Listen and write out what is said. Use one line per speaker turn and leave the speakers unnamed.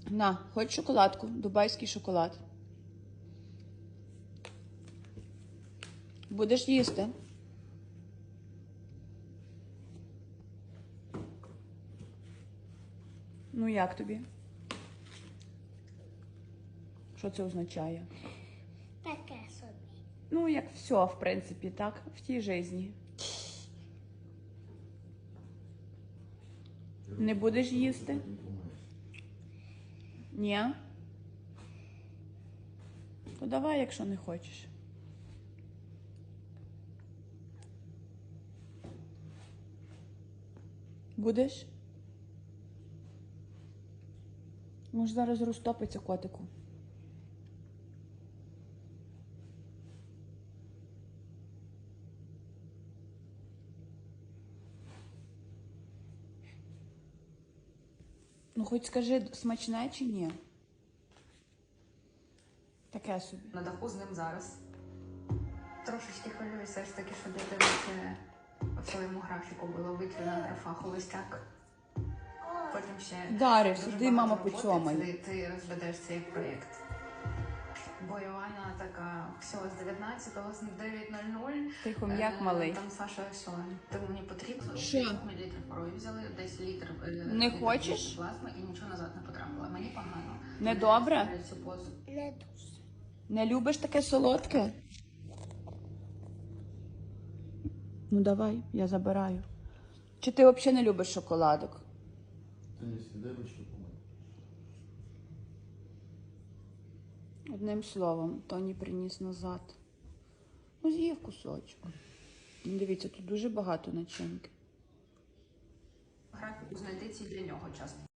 На, хоч шоколадку, дубайський шоколад. Будеш їсти? Ну як тобі? Що це означає?
Таке собі.
Ну, як все, в принципі, так, в тій житті. Не будеш їсти? Ні? То давай, якщо не хочеш. Будеш? Може, зараз розтопиться котику. Ну, хоч скажи, смачне чи ні? Таке собі.
На даху з ним зараз. Трошечки хвилююся все ж таки, щоб дитина в своєму графіку було викріна графа холостяк. Потім ще
Дариш,
дуже
іди,
багато
мама,
роботи,
поцьомай.
ти розведеш цей проєкт. Бо Івана така, все, з 19-го, з 9:00.
Тихо, м'як малий.
Там Саша, все, ти мені потрібно.
Що?
Мілілітр крові взяли, десь літр.
Не
літр
хочеш?
плазми і нічого назад не потрапило. Мені погано.
Не добре?
Я цю позу.
Не дуже.
Не любиш таке солодке? Ну давай, я забираю. Чи ти взагалі не любиш шоколадок?
Ти не сідай ручки помий.
Одним словом, Тоні приніс назад. Ну, з'їв кусочок. Ну, дивіться, тут дуже багато начинки.
Графіку знайти ці для нього час.